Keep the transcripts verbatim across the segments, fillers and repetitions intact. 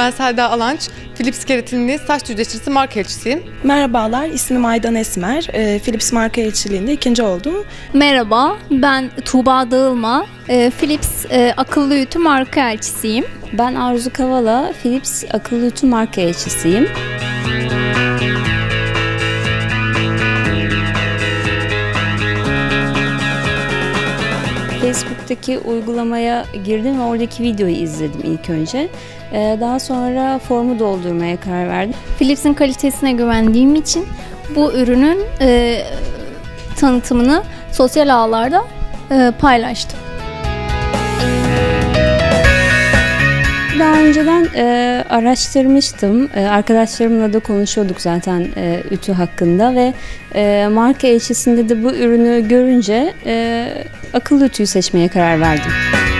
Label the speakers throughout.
Speaker 1: Ben Selda Alanç, Philips Keratinli saç düzleştiricisi marka elçisiyim.
Speaker 2: Merhabalar, ismim Aydan Esmer. E, Philips marka elçiliğinde ikinci oldum.
Speaker 3: Merhaba, ben Tuğba Dağılma, e, Philips e, akıllı ütü marka elçisiyim.
Speaker 4: Ben Arzu Kavala, Philips akıllı ütü marka elçisiyim. Facebook'taki uygulamaya girdim ve oradaki videoyu izledim ilk önce. Daha sonra formu doldurmaya karar verdim.
Speaker 3: Philips'in kalitesine güvendiğim için bu ürünün e, tanıtımını sosyal ağlarda e, paylaştım.
Speaker 4: Daha önceden e, araştırmıştım. E, arkadaşlarımla da konuşuyorduk zaten e, ütü hakkında ve e, marka elçisinde de bu ürünü görünce e, akıllı ütüyü seçmeye karar verdim.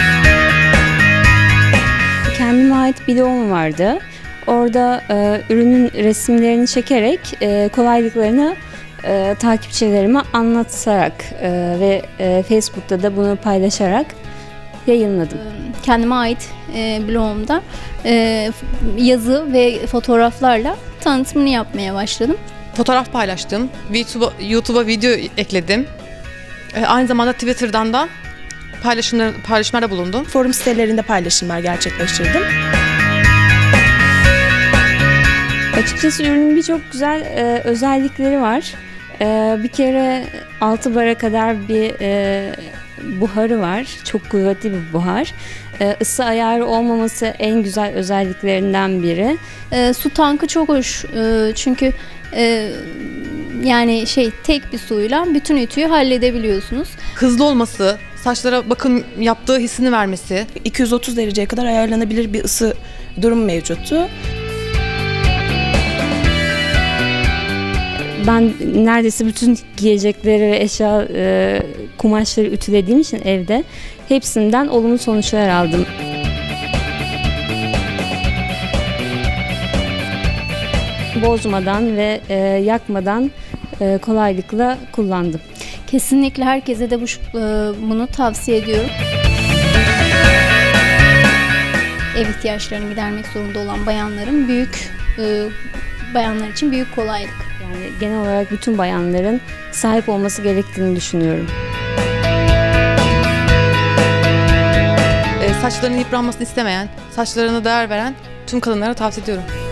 Speaker 4: Kendime ait bir blogum vardı. Orada e, ürünün resimlerini çekerek e, kolaylıklarını e, takipçilerime anlatarak e, ve e, Facebook'ta da bunu paylaşarak yayınladım.
Speaker 3: Kendime ait e, blogumda e, yazı ve fotoğraflarla tanıtımını yapmaya başladım.
Speaker 1: Fotoğraf paylaştım, YouTube'a, YouTube'a video ekledim. E, aynı zamanda Twitter'dan da paylaşımlar, paylaşımlarda bulundum.
Speaker 2: Forum sitelerinde paylaşımlar gerçekleştirdim.
Speaker 4: Açıkçası ürünün birçok güzel e, özellikleri var. E, bir kere altı bara kadar bir e, buharı var. Çok kuvvetli bir buhar. E, ısı ayarı olmaması en güzel özelliklerinden biri.
Speaker 3: E, su tankı çok hoş. E, çünkü e, yani şey tek bir suyla bütün ütüyü halledebiliyorsunuz.
Speaker 1: Hızlı olması, saçlara bakım yaptığı hissini vermesi.
Speaker 2: iki yüz otuz dereceye kadar ayarlanabilir bir ısı durum mevcuttu.
Speaker 4: Ben neredeyse bütün giyecekleri ve eşya e, kumaşları ütülediğim için evde hepsinden olumlu sonuçlar aldım. Bozmadan ve e, yakmadan e, kolaylıkla kullandım.
Speaker 3: Kesinlikle herkese de bu, bunu tavsiye ediyorum. Ev ihtiyaçlarını gidermek zorunda olan bayanların büyük e, bayanlar için büyük kolaylık.
Speaker 4: Yani genel olarak bütün bayanların sahip olması gerektiğini düşünüyorum.
Speaker 1: E, saçlarının yıpranmasını istemeyen, saçlarına değer veren tüm kadınlara tavsiye ediyorum.